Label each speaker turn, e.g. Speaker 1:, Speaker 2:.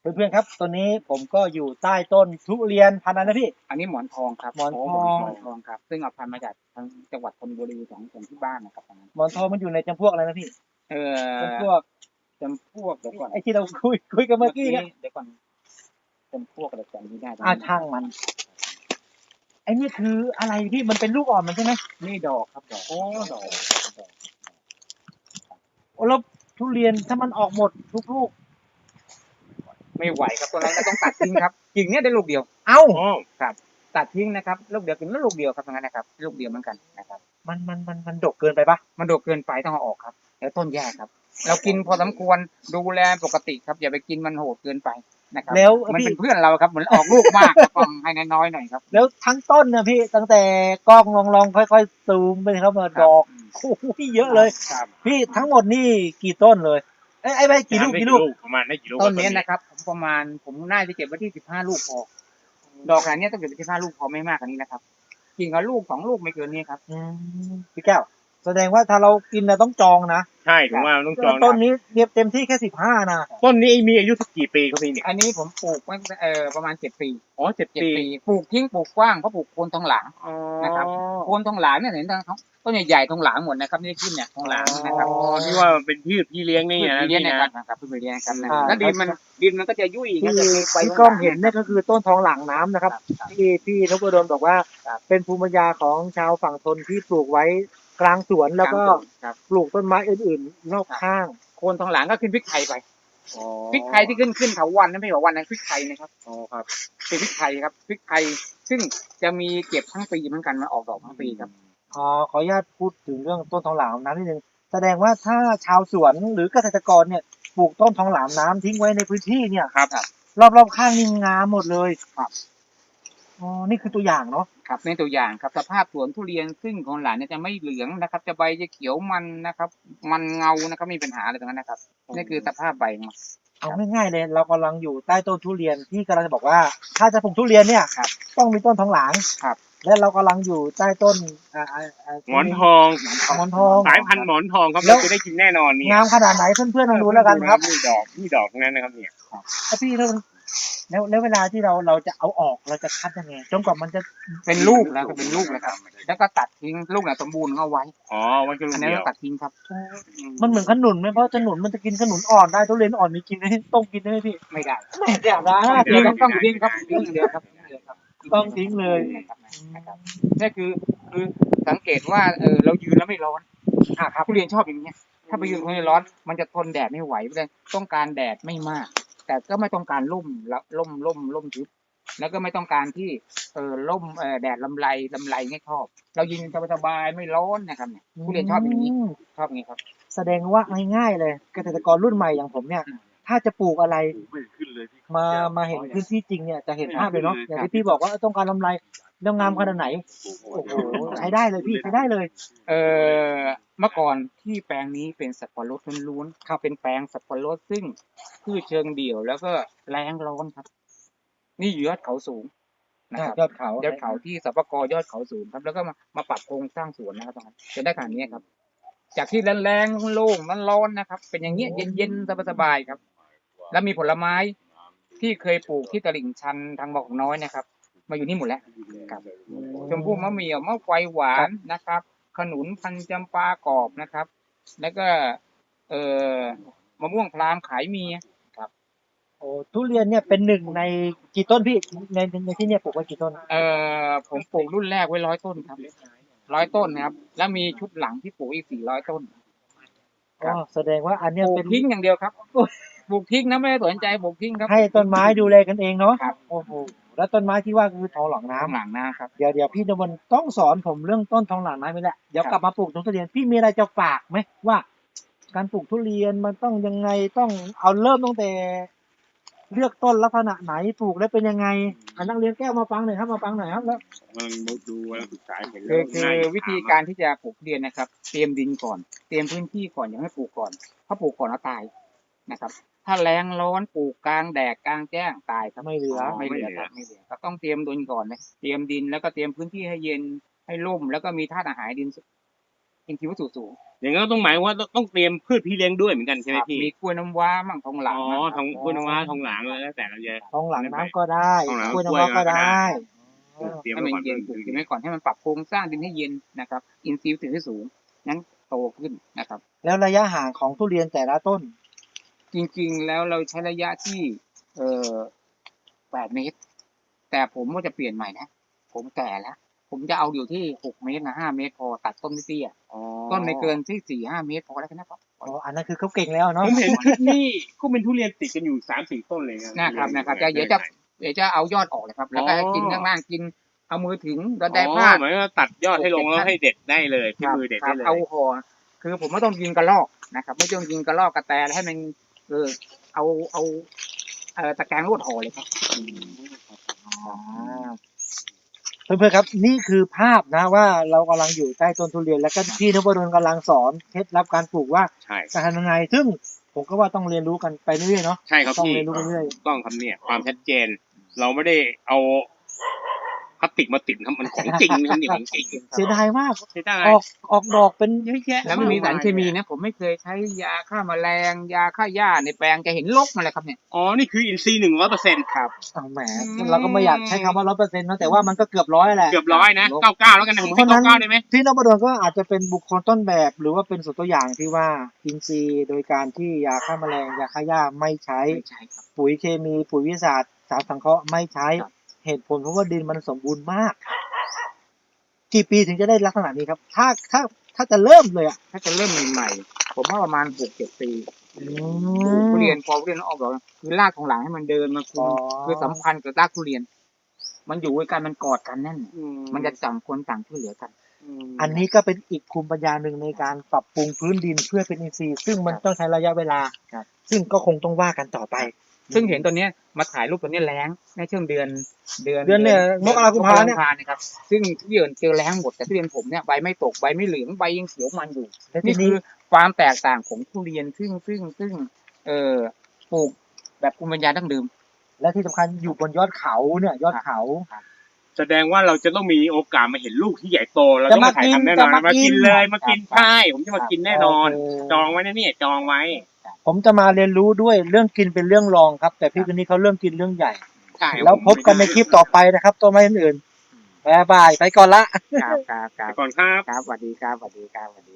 Speaker 1: เพื่อนๆครับตอนนี้ผมก็อยู่ใต้ต้นทุเรียนพันธุ์อะไรนะพี่
Speaker 2: อันนี้หมอนทองครับ
Speaker 1: หมอนทอง
Speaker 2: หมอนทองครับซึ่งเอาพันธุ์มาจากทางจังหวัดชลบุรีของที่บ้านนะครับตอนนั้น
Speaker 1: หมอนทองมันอยู่ในจำพวกอะไรนะพี่
Speaker 2: เอ
Speaker 1: จำพ
Speaker 2: อ
Speaker 1: วก
Speaker 2: จำพวกเดี๋ยวก่อน
Speaker 1: ไอ้ที่เราคุยกันเมื่อกี้เนี่ย
Speaker 2: เดี๋ยวก่อนจำพวกอะไรจำไม่ได้
Speaker 1: ช่างมันไอ้นี่คืออะไรพี่มันเป็นลูกอ่อนมันใช่ไหม
Speaker 2: นี่ดอกครับดอก
Speaker 1: โอ้
Speaker 2: ดอกดอก
Speaker 1: โอ้แล้วทุเรียนถ้ามันออกหมดทุกลูก
Speaker 2: ไม่ไหวครับตัวนั้นก็ต้องตัดทิ้งครับกิ่งเนี้ยได้ลูกเดียว
Speaker 1: เอ้า
Speaker 2: ครับตัดทิ้งนะครับลูกเดียวกิ่งนั้นลูกเดียวครับตรงนั้นนะครับลูกเดียวเหมือนกันนะครับ
Speaker 1: มันดกเกินไปปะ
Speaker 2: มันโดกเกินไปต้องเอาออกครับแล้วต้นแย่ครับเรากินพอสมควรดูแลปกติครับอย่าไปกินมันโหดเกินไปนะครับ
Speaker 1: แล้ว
Speaker 2: มัน
Speaker 1: พี่
Speaker 2: เป็นเพื่อนเราครับเหมือนออกลูกมากครับต้องให้น้อยๆหน่อยครับ
Speaker 1: แล้วทั้งต้นเนี่ยพี่ตั้งแต่กล้องลองค่อยๆซูมไปครับมาดอกโอ้โหเยอะเลย
Speaker 2: ครับ
Speaker 1: พี่ทั้งหมดนี่กี่ต้นเลยไอ้ไม่กี่ลูก
Speaker 3: ประมาณได้กี่ลูก
Speaker 2: ต้นนี้นะครับผมน่าจะเก็บไว้ที่15 ลูกพอดอกขนาดนี้ต้องเก็บไว้15 ลูกพอไม่มากกว่านี้นะครับกิ่งละลูก2 ลูกไม่เกินนี้ครับ
Speaker 1: พี่แก้วแสดงว่าถ้าเรากินนะต้องจองนะ
Speaker 3: ใช่ผมว่าต้องจอง
Speaker 1: ต้นนี้เต็มที่แค่15นะ
Speaker 3: ต้นนี้มีอายุสักกี่ปีครับพี่เนี่ย
Speaker 2: อันนี้ผมปลูกไว้ประมาณ7 ปี
Speaker 3: อ๋อ7 ปี
Speaker 2: ปลูกทิ้งปลูกกว้างเพราะปลูกโคนทองหลางนะครับโคนทองหลางเนี่ยเห็นทั้งต้นใหญ่ๆทองหลางหมดนะครับนี่ขึ้นเนี่ยทองหลางนะครับ
Speaker 3: อ๋อที่ว่าเป็นพืชพี่เลี้ยงนี่นะ
Speaker 2: เลี้ยง
Speaker 3: พี่
Speaker 2: นะ
Speaker 3: นะครับ
Speaker 2: พืชเลี้ยงครับแล้วดินมันก็จะยุ่ย
Speaker 1: ที่กล้องเห็นเนี่ยก็คือต้นทองหลางน้ำนะครับที่พี่นพดลบอกว่าเป็นภูมิปัญญาของชาวฝั่งทนที่ปลูกไว้กลางสวนแล้วก็ปลูกต้นไม้อื่นๆรอบข้าง
Speaker 2: โคนทองหลางก็ขึ้นพริกไทยไปพริกไทยที่ขึ้นเถาวัลย์นั่นไม่ใช่เถาวัลย์นะพริกไทยนะครับ
Speaker 3: อ๋อครับ
Speaker 2: เป็นพริกไทยครับพริกไทยซึ่งจะมีเก็บทั้งปีเหมือนกันมาออกดอกทั้งปีครับ
Speaker 1: ขออนุญาตพูดถึงเรื่องต้นทองหลางน้ำนิดนึงแสดงว่าถ้าชาวสวนหรือเกษตรกรเนี่ยปลูกต้นทองหลางน้ำทิ้งไว้ในพื้นที่เนี่ย
Speaker 2: ครับ
Speaker 1: รอบๆข้างนี่งามหมดเลย
Speaker 2: ครับ
Speaker 1: นี่คือตัวอย่างเนาะ
Speaker 2: ครับในตัวอย่างครับสภาพสวนทุเรียนซึ่งของหลานเนี่ยจะไม่เหลืองนะครับจะใบจะเขียวมันนะครับมันเงานะครับมีปัญหาอะไรตรงนั้นนะครับนี่คือสภาพใบมัน
Speaker 1: เอาง่ายๆเลยเรากำลังอยู่ใต้ต้นทุเรียนที่กำลังจะบอกว่าถ้าจะปลูกทุเรียนเนี่ยต้องมีต้นทองหลาง
Speaker 2: ครับ
Speaker 1: และเรากำลังอยู่ใต้ต้น
Speaker 3: หมอนทองสายพันธุ์หมอนทองครับเราจะได้กินแน่นอนนี่
Speaker 1: งามขนาดไหนเพื่อนๆลองดูแล้วกันครับ
Speaker 3: นี่ดอกนั้นนะครับเนี่ย
Speaker 1: พี่แล้วเวลาที่เราจะเอาออกเราจะคัดยังไงจนกว่ามันจะ
Speaker 2: เป็นลูกแล้วก็เป็นลูกแล้วครับแล้วก็ตัดทิ้งลูกไหนสมบูรณ์เอาไว้
Speaker 3: อ๋อไว้แค่ลู
Speaker 2: อัน
Speaker 3: ก
Speaker 2: นี้
Speaker 3: เดียว
Speaker 2: ตัดทิ้งครับ
Speaker 1: มันเหมือนขนุนไหมเพราะขนุนมันจะกินขนุนอ่อนได้ทุเรียนอ่อนมีกินได้ต้มกินได้ไหมพี่
Speaker 2: ไม่ได้
Speaker 1: ไม่ได้นะ
Speaker 2: ต้องทิ้งครับทิ้งเดียวครับ
Speaker 1: ต้องทิ้งเลย
Speaker 2: นี่คือสังเกตว่าเรายืนแล้วไม่ร้อนครับผู้เรียนชอบอย่างเงี้ยถ้าไปยืนคนร้อนมันจะทนแดดไม่ไหวเลยต้องการแดดไม่มากแต่ก็ไม่ต้องการร่มทึบแล้วก็ไม่ต้องการที่ร่มแดดลำไรไม่ชอบเรายืนสบายๆไม่ร้อนนะครับเนี่ยผู้เรียนชอบอย่างนี้ชอบอย่างนี้ครับ
Speaker 1: แสดงว่าง่ายๆเลยเกษตรกรรุ่นใหม่อย่างผมเนี่ยถ้าจะปลูกอะไรมาเห็นพื้นที่จริงเนี่ยจะเห็นภาพเลยเนาะอย่างที่พี่บอกว่าต้องการลำไรแล้วงามขนาดไหนโอ้โหใช้ได้เลยพี่ใช้ได้เลย
Speaker 2: เมื่อก่อนที่แปลงนี้เป็นสับปะรดล้วนๆเป็นแปลงสับปะรดซึ่งพืชเชิงเดี่ยวแล้วก็แรงร้อนครับนี่อยู่ยอดเขาสูงนะครับ
Speaker 1: ยอดเขา
Speaker 2: ที่สปกยอดเขาสูงครับแล้วก็มาปรับโครงสร้างสวนนะครับตรงนั้นจะได้ขนาดนี้ครับจากที่แรงโล่งร้อนนะครับเป็นอย่างเงี้ยเย็นสบายๆครับแล้วมีผลไม้ที่เคยปลูกที่ตลิ่งชันทางบอกน้อยนะครับมาอยู่นี่หมดแล้วครับชมพู่มะเหมี่ยวมะไฟหวานนะครับขนุนพันจำปากรอบนะครับแล้วก็มะม่วงพรามขายมีครับ
Speaker 1: โอ้ทุเรียนเนี่ยเป็นหนึ่งในกี่ต้นพี่ในที่เนี่ยปลูกไว้กี่ต้น
Speaker 2: ผมปลูกรุ่นแรกไว้100 ต้นครับ100 ต้นนะครับแล้วมีชุดหลังที่ปลูกอีก400 ต้น
Speaker 1: แสดงว่าอันเนี้ย
Speaker 2: เป็นทิ้งอย่างเดียวครับปลูกทิ้งนะไม่ได้สนใจปลูกทิ้งครับ
Speaker 1: ให้ต้นไม้ดูแลกันเองเนาะโอ้โหแล้วต้นไม้ที่ว่าคือทองหลางน้
Speaker 2: ำครับ
Speaker 1: เดี๋ยวพี่นวลต้องสอนผมเรื่องต้นทองหลางน้ำนี่แหละเดี๋ยวกลับมาปลูกทุเรียนพี่มีอะไรจะฝากไหมว่าการปลูกทุเรียนมันต้องยังไงต้องเอาเริ่มตั้งแต่เลือกต้นลักษณะไหนปลูกแล้วเป็นยังไงนักเรียนแก้วมาฟังหน่อยครับแล้ว
Speaker 3: ดูแล้วศึกษาเห็น
Speaker 2: แล้วคือวิธีการที่จะปลูกทุเรียนนะครับเตรียมดินก่อนเตรียมพื้นที่ก่อนอย่าให้ปลูกก่อนถ้าปลูกก่อนแล้วตายนะครับถ้าแรงร้อนปลูกกลางแดดกลางแจ้งตายครับ
Speaker 1: ไม่เหลือ
Speaker 2: ก็ต้องเตรียมดินก่อนนะเตรียมดินแล้วก็เตรียมพื้นที่ให้เย็นให้ร่มแล้วก็มีธาตุอาหารดินอินทรีย์วัตถุสูง
Speaker 3: อย่างนั้นก็ต้องหมายว่าต้องเตรียมพืชพี่เลี้ยงด้วยเหมือนกันใช่ไหม
Speaker 2: ครับ
Speaker 3: พี่
Speaker 2: มีกล้วยน้ำว้ามั่งทองหลาง
Speaker 3: อ๋อ
Speaker 2: มั่ง
Speaker 3: ทองกล้วยน้ำว้าทองหลางแล้วแต่เราจะ
Speaker 1: ท้องหลังน้ำก็ได้
Speaker 3: ท้องหลัง
Speaker 1: กล้วยน้ำว้าก็ได้
Speaker 3: เตรียม
Speaker 2: ให้
Speaker 3: ไว้
Speaker 2: มัน
Speaker 3: ก่อน
Speaker 2: เย็นปลูกกินไว้ก่อนให้มันปรับโครงสร้างดินให้เย็นนะครับอินทรีย์ถือให้สูงนั้นโตขึ้นนะครับ
Speaker 1: แล้วระยะห่างของทุเรียนแต่ละต้น
Speaker 2: จริงๆแล้วเราใช้ระยะที่8 เมตร แต่ผมว่าจะเปลี่ยนใหม่นะผมแก่แล้ว ผมจะเอาอยู่ที่6 เมตรนะ5 เมตรพอตัดต้นเตี้ย
Speaker 3: อ๋อ
Speaker 2: ต้นไม่เกินที่4-5 เมตรพอแล้วกันนะครับ
Speaker 1: อ๋อ อันนั้นคือเขาเก่งแล้วเนาะ
Speaker 3: ผมเห็นคลิปนี้ก็เป็นทุเรียนติดกันอยู่3-4 ต้นเลย
Speaker 2: นะครับเดี๋ยวจะเอายอดออกเลยครับ แล้วก็ให้กินข้างล่างกินเอามือถึงแล้วได้
Speaker 3: อ๋
Speaker 2: ผ้า
Speaker 3: อหมายว่าตัดยอดให้ลงแล้วให้เด็ดได้เลยที่มือเด็ด
Speaker 2: ครั
Speaker 3: ได้
Speaker 2: บ
Speaker 3: เลย
Speaker 2: เอาห่อคือผมไม่ต้องยิงกระลอกนะครับ ไม่ต้องยิงกระลอกกระแตให้มันเอาตะแกรงลวดห่อเลยครับ
Speaker 1: เพื่อนๆครับนี่คือภาพนะว่าเรากำลังอยู่ใต้ต้นทุเรียนแล้วก็พี่นพดลกำลังสอนเคล็ดลับการปลูกว่า
Speaker 3: ใช่
Speaker 1: จะทำยังไงซึ่งผมก็ว่าต้องเรียนรู้กันไปเรื่อยๆเนาะ
Speaker 3: ใช่ครับ
Speaker 1: ต้อง
Speaker 3: พี่
Speaker 1: เรียนรู้ไปเรื่อย
Speaker 3: ต้องครับเนี่ยความชัดเจน เราไม่ได้เอาพลาสติกมาติดครับมันของจริงนะครับนี่ของจริง
Speaker 1: เสียดายมาก
Speaker 3: ใช่ได้
Speaker 1: ออกดอกเป็นเยอะแยะ
Speaker 2: แล้วมันมีสารเคมีนะผมไม่เคยใช้ยาฆ่าแมลงยาฆ่าหญ้าในแปลงจะเห็นรกมาเลยครับเนี่ย
Speaker 3: อ๋อนี่คืออินทรีย์100%
Speaker 2: ครับ
Speaker 1: อ้าวแหมเราก็ไม่อยากใช้คำว่า100%นะแต่ว่ามันก็เกือบ100แหละ
Speaker 3: เกือบ100นะ99แล้วกันนะผมให้99ได้ไหม
Speaker 1: พี่นพดลก็อาจจะเป็นบุคคลต้นแบบ หรือว่าเป็นส่วนตัวอย่างที่ว่าอินทรีย์โดยการที่ยาฆ่าแมลงยาฆ่าหญ้าไม่ใช้
Speaker 2: ไม่ใช่ครับ
Speaker 1: ปุ๋ยเคมีปุ๋ยวิทยาศาสตร์สารสังเคราะห์ไม่ใช้
Speaker 2: ครับ
Speaker 1: เหตุผลเพราะว่าดินมันสมบูรณ์มาก กี่ปีถึงจะได้ลักษณะนี้ครับ ถ้าจะเริ่มเลยอ่ะ
Speaker 2: ถ้าจะเริ่มใหม่ๆผมว่าประมาณ 6-7 ปีทุเรียนพอทุเรียนออกดอกคือรากของหลังให้มันเดินมาคือสัมพันธ์กับรากทุเรียน มันอยู่ด้วยกันมันกอดกันแน่นมันจะต่างคนต่างช่วยเหลือกัน
Speaker 1: อันนี้ก็เป็นอีกภูมิปัญญาหนึ่งในการปรับปรุงพื้นดินเพื่อเป็นอินทรีย์ซึ่งมันต้องใช้ระยะเวลา
Speaker 2: ครับ
Speaker 1: ซึ่งก็คงต้องว่ากันต่อไป
Speaker 2: ซึ่งเห็นตัวเนี้ยมาถ่ายรูปตัวเนี้ยแล้งในช่วงเดือน
Speaker 1: เนี่ยมกราคมเนี่ย
Speaker 2: นะครับซึ่งทุเรียนเจอแล้งหมดแต่ทุเรียนผมเนี่ยใบไม่ตกใบไม่เหลืองใบยังเขียวมันอยู่
Speaker 1: และที
Speaker 2: นี่คื
Speaker 1: นี้
Speaker 2: อความแตกต่างของทุเรียนซึ่งปลูกแบบภูมิปัญญาดั้งเดิม
Speaker 1: และที่สำคัญอยู่บนยอดเขาเนี่ยยอดเขา
Speaker 3: แสดงว่าเราจะต้องมีโอกาสมาเห็นลูกที่ใหญ่โตเรา
Speaker 1: จะ
Speaker 3: ต้องมาถ่ายทำแน่นอน
Speaker 1: มากิน
Speaker 3: มากินเลยมากิน
Speaker 2: ครับ
Speaker 3: ใช่ผมจะมากินแน่นอน
Speaker 1: โอเค
Speaker 3: จองไว้นะเนี่ยจองไว้
Speaker 1: ผมจะมาเรียนรู้ด้วยเรื่องกินเป็นเรื่องรองครับ แต่พี่คนนี้เขาเรื่องกินเรื่องใหญ่
Speaker 3: ใช่
Speaker 1: แล้วพบกันในคลิปต่อไปนะครับตัวไม้อื่นๆบ๊ายบายไปก่อนละ
Speaker 2: ครับ
Speaker 3: ไปก่อนครับ
Speaker 2: ครับสวัสดีครับสวัสดีครับสวัสดี